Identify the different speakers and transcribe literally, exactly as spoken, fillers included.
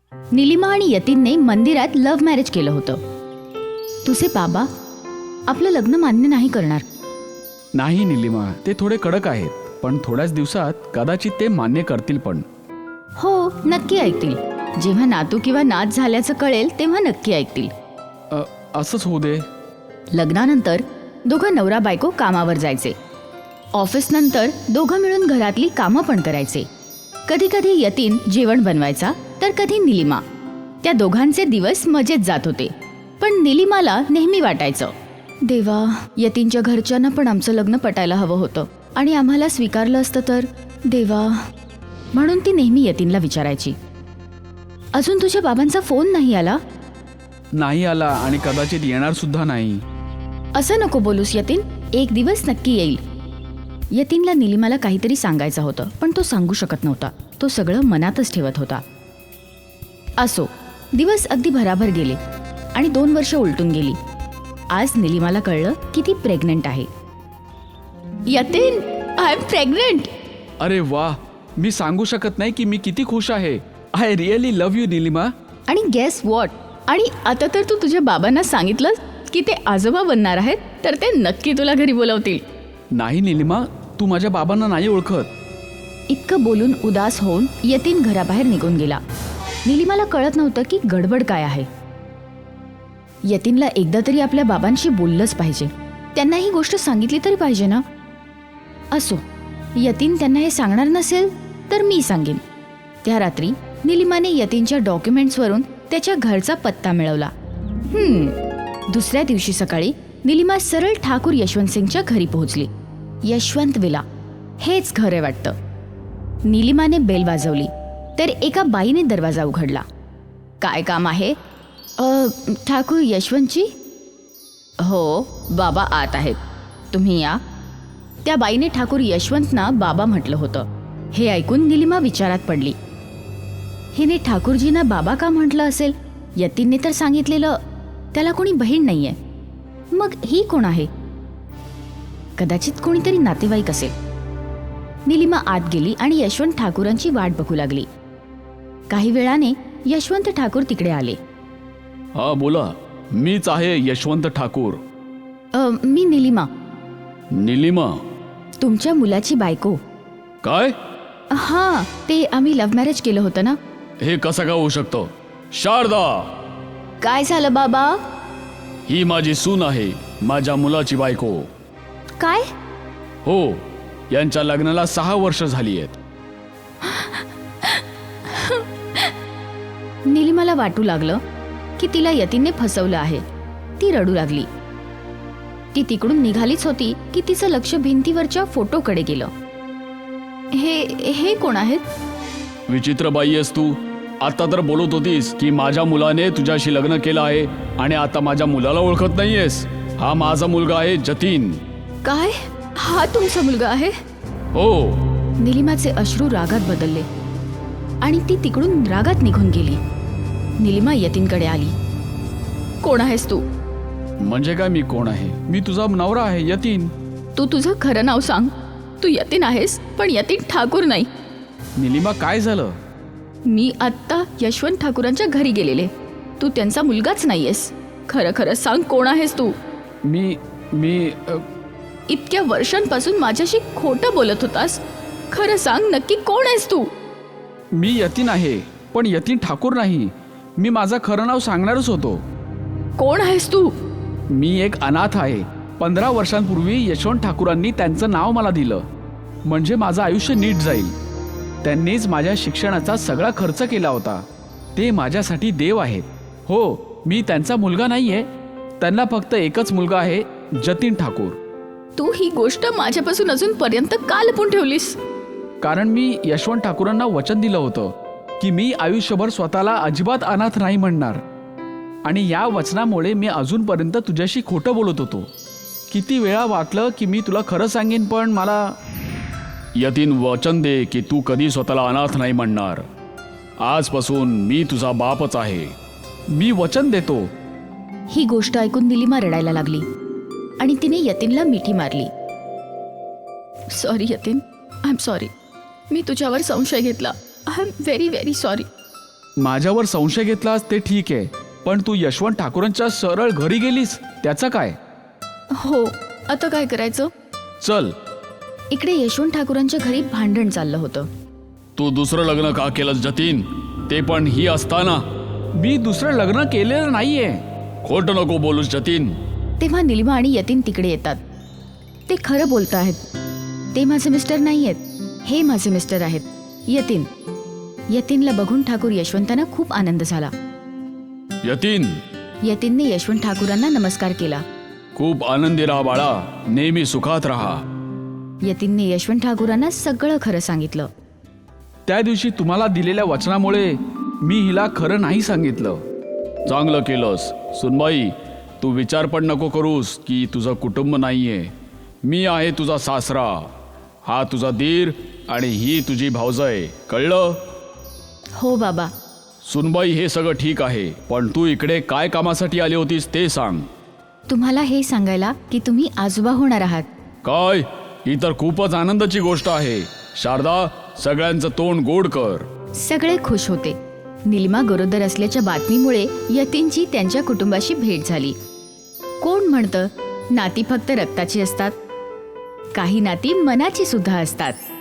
Speaker 1: निलिमा आणि यतीनने मंदिरात love marriage केलं होतं. तुझे बाबा आपलं लग्न मान्य नाही करणार.
Speaker 2: नाही निलिमा, ते थोडे कडक आहेत, पण थोड्याच दिवसात कदाचित ते मान्य करतील. पण
Speaker 1: हो, नक्की ऐकतील. जेव्हा नातू किंवा नात झाल्याचं कळेल तेव्हा नक्की ऐकतील.
Speaker 2: अ, असंच होऊ दे.
Speaker 1: लग्नानंतर दोघं नवरा बायको कामावर जायचे. ऑफिस नंतर दोघं मिळून घरातली कामं पण करायचे. कधी कधी यतीन जेवण बनवायचा तर कधी निलिमा. त्या दोघांचे दिवस मजेत जात होते. पण निलिमाला नेहमी वाटायचं, देवा, यतीनच्या घरच्यांना पण आमचं लग्न पटायला हवं होतं आणि आम्हाला स्वीकारलं असतं तर. देवा, म्हणून ती नेहमी यतीनला विचारायची, अजून तुझ्या बाबांचा फोन नाही आला?
Speaker 2: नाही आला आणि कदाचित येणार सुद्धा नाही.
Speaker 1: असं नको बोलूस यतीन, एक दिवस नक्की येईल. यतीनला निलिमाला काहीतरी सांगायचं होतं, पण तो सांगू शकत नव्हता. तो सगळं मनातच ठेवत होता. असो, दिवस अगदी भराभर गेले आणि दोन वर्ष उलटून गेली. आज निलिमाला कळलं की ती प्रेग्नंट आहे. Yatin, I am pregnant.
Speaker 2: अरे वा, मी सांगू शकत नाही की मी किती खुश आहे. I really love you Nilima.
Speaker 1: आणि गेस व्हॉट, आणि आता तर तू तुझ्या बाबांना सांगितलं की ते आजोबा बनणार आहेत, तर ते नक्की तुला घरी बोलवतील.
Speaker 2: नाही निलिमा, तू माझ्या बाबांना नाही ओळखत.
Speaker 1: इतकं बोलून उदास होऊन यतीन घराबाहेर निघून गेला. निलिमाला कळत नव्हतं की गडबड काय आहे. यतीनला एकदा तरी आपल्या बाबांशी बोललंच पाहिजे. त्यांना ही गोष्ट सांगितली तरी पाहिजे ना. असो, यतीन त्यांना हे सांगणार नसेल तर मी सांगेन. त्या रात्री निलिमाने यतीनच्या डॉक्युमेंट्सवरून त्याच्या घरचा पत्ता मिळवला. हम्म दुसऱ्या दिवशी सकाळी निलिमा सरळ ठाकूर यशवंत सिंगच्या घरी पोहोचली. यशवंत विला, हेच घर आहे वाटतं. निलिमाने बेल वाजवली तर एका बाईने दरवाजा उघडला. काय काम आहे? अ ठाकूर यशवंतची? हो, बाबा आत आहेत, तुम्ही या. त्या बाईने ठाकूर यशवंतना बाबा म्हटलं होतं. हे ऐकून निलिमा विचारात पडली. हिने ठाकूरजींना बाबा का म्हटलं असेल? यतीनने तर सांगितलेलं त्याला कोणी बहीण नाहीये. मग ही कोण आहे? कदाचित कोणीतरी नातेवाईक असेल. निलिमा आत गेली आणि यशवंत ठाकूरांची वाट बघू लागली. काही वेळाने यशवंत ठाकूर तिकडे आले.
Speaker 2: हा बोला, मीच आहे यशवंत ठाकूर.
Speaker 1: अ, मी निलिमा,
Speaker 2: निलिमा?
Speaker 1: तुमच्या मुलाची बायको.
Speaker 2: काय?
Speaker 1: हा, ते आम्ही लव्ह मॅरेज केलं होतं ना.
Speaker 2: हे कसं काय होऊ शकतं? शारदा,
Speaker 1: काय झालं बाबा?
Speaker 2: ही माझी सून आहे, माझ्या मुलाची बायको.
Speaker 1: काय?
Speaker 2: हो, यांच्या लग्नाला सहा वर्ष झाली आहेत.
Speaker 1: निलिमाला वाटू लागलं की तिला यतीनने फसवलं आहे. ती रडू लागली. ती तिकडून निघालीच होती की तिचं लक्ष भिंतीवरच्या फोटोकडे गेलं. हे हे कोण आहेत?
Speaker 2: विचित्र बाई आहेस तू. आता तर बोलत होतीस की माझ्या मुलाने तुझ्याशी लग्न केलं आहे आणि आता माझ्या मुलाला ओळखत नाहीयेस. हा माझा मुलगा आहे जतीन.
Speaker 1: काय? हा तुमचा मुलगा आहे?
Speaker 2: हो.
Speaker 1: निलिमाचे अश्रू रागात बदलले आणि ती तिकडून रागात निघून गेली. निलिमा यतीनकडे आली. कोण आहेस तू?
Speaker 2: म्हणजे काय मी कोण आहे? मी तुझा नवरा आहे, यतीन.
Speaker 1: तू तुझं खरं नाव सांग. तू यतीन आहेस, पण यतीन ठाकूर नाही.
Speaker 2: निलिमा, काय झालं?
Speaker 1: मी आत्ता यशवंत ठाकूरांच्या घरी गेलेले. तू त्यांचा मुलगाच नाहीयेस. खरं खरं सांग, कोण आहेस तू?
Speaker 2: मी मी अ,
Speaker 1: इतक्या वर्षांपासून माझ्याशी खोटं बोलत होतास. खरं सांग, नक्की कोण आहेस तू?
Speaker 2: मी यतीन आहे, पण यतीन ठाकूर नाही. मी माझं खरं नाव सांगणारच होतो.
Speaker 1: कोण आहेस तू?
Speaker 2: मी एक अनाथ आहे. पंधरा वर्षांपूर्वी यशवंत ठाकूरांनी त्यांचं नाव मला दिलं, म्हणजे माझं आयुष्य नीट जाईल. त्यांनीच माझ्या शिक्षणाचा सगळा खर्च केला होता. ते माझ्यासाठी देव आहेत. हो, मी त्यांचा मुलगा नाहीये. त्यांना फक्त एकच मुलगा आहे, जतीन ठाकूर.
Speaker 1: तू ही गोष्ट माझ्यापासून अजूनपर्यंत का लपून ठेवलीस?
Speaker 2: कारण मी यशवंत ठाकूरांना वचन दिलं होतं की मी आयुष्यभर स्वतःला अजिबात अनाथ नाही म्हणणार. आणि या वचनामुळे मी अजूनपर्यंत तुझ्याशी खोटं बोलत होतो. किती वेळा वाटलं की मी तुला खरं सांगेन, पण मला. यतीन, वचन दे की तू कधी स्वतःला अनाथ नाही म्हणणार. आजपासून मी तुझा बापच आहे. मी वचन देतो.
Speaker 1: ही गोष्ट ऐकून निलिमा रडायला लागली आणि तिने यतीनला मिठी मारली. Sorry Yatin, I am sorry. मी तुझ्यावर संशय घेतला. I am very very sorry.
Speaker 2: माझ्यावर संशय घेतलास ते ठीक आहे, पण तू यशवंत ठाकूरांच्या सरळ घरी गेलीस, त्याचं काय?
Speaker 1: हो, आता काय करायचं?
Speaker 2: चल.
Speaker 3: इकडे यशवंत ठाकूरांच्या घरी भांडण चाललं होतं.
Speaker 4: तू दुसरं लग्न का केलंस जतीन, ते पण ही असताना?
Speaker 2: मी दुसरं लग्न केलेलं नाहीये.
Speaker 4: खोटं नको बोलूस जतीन.
Speaker 3: तेव्हा निलिमा आणि यतीन तिकडे येतात. ते खरं बोलत आहेत. ते माझे मिस्टर नाही आहेत, हे माझे मिस्टर आहेत, यतीन. यतीनला बघून ठाकूर यशवंतांना खूप आनंद झाला.
Speaker 4: यतीन,
Speaker 3: यतीनने यशवंत ठाकूरांना नमस्कार केला.
Speaker 4: खूप आनंदी राहा बाळा, नेहमी सुखात राहा.
Speaker 3: यतीनने यशवंत ठाकूरांना सगळं खरं सांगितलं.
Speaker 2: त्या दिवशी तुम्हाला दिलेल्या वचनामुळे मी हिला खरं नाही सांगितलं.
Speaker 4: चांगलं केलंस. सुनबाई, तू विचार पण नको करूस की तुझं कुटुंब नाहीये. मी आहे तुझा सासरा, हा तुझा दीर आणि ही तुझी भावजय. कळलं?
Speaker 3: हो बाबा.
Speaker 4: सुनबाई, हे सगळं ठीक आहे, पण तू इकडे काय कामासाठी आली होतीस ते सांग.
Speaker 3: तुम्हाला हे सांगायला की तुम्ही आजोबा होणार आहात.
Speaker 4: काय? ही तर खूपच आनंदाची गोष्ट आहे. शारदा, सगळ्यांचं तोंड गोड कर.
Speaker 3: सगळे खुश होते. निलिमा गरोदर असल्याच्या बातमीमुळे यतीनची त्यांच्या कुटुंबाशी भेट झाली. कोण म्हणतं नाती फक्त रक्ताची असतात? काही नाती मनाची सुद्धा असतात.